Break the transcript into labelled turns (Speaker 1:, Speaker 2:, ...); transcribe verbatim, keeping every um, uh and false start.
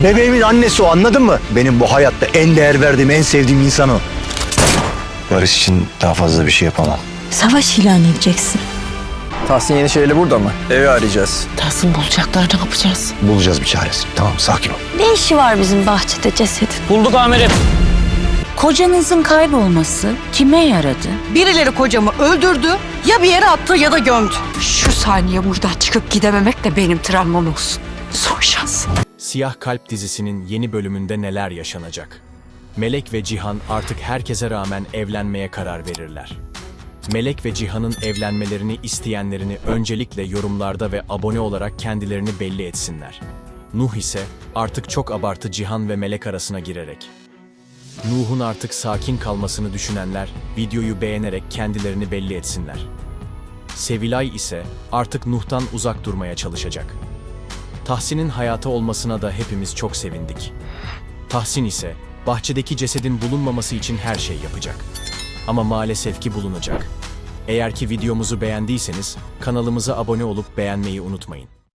Speaker 1: Bebeğimin annesi o, anladın mı? Benim bu hayatta en değer verdiğim, en sevdiğim insan o. Barış için daha fazla bir şey yapamam.
Speaker 2: Savaş ilan edeceksin.
Speaker 3: Tahsin Yenişehirli burada mı? Evi arayacağız.
Speaker 2: Tahsin bulacaklar, ne yapacağız?
Speaker 1: Bulacağız bir çaresini. Tamam, sakin ol.
Speaker 2: Ne işi var bizim bahçede cesedin?
Speaker 4: Bulduk amirim.
Speaker 2: Kocanızın kaybolması kime yaradı?
Speaker 5: Birileri kocamı öldürdü, ya bir yere attı ya da gömdü. Şu saniye buradan çıkıp gidememek de benim travmam olsun. Son şans.
Speaker 6: Siyah Kalp dizisinin yeni bölümünde neler yaşanacak? Melek ve Cihan artık herkese rağmen evlenmeye karar verirler. Melek ve Cihan'ın evlenmelerini isteyenlerini öncelikle yorumlarda ve abone olarak kendilerini belli etsinler. Nuh ise artık çok abartı Cihan ve Melek arasına girerek. Nuh'un artık sakin kalmasını düşünenler videoyu beğenerek kendilerini belli etsinler. Sevilay ise artık Nuh'tan uzak durmaya çalışacak. Tahsin'in hayata olmasına da hepimiz çok sevindik. Tahsin ise bahçedeki cesedin bulunmaması için her şey yapacak. Ama maalesef ki bulunacak. Eğer ki videomuzu beğendiyseniz kanalımıza abone olup beğenmeyi unutmayın.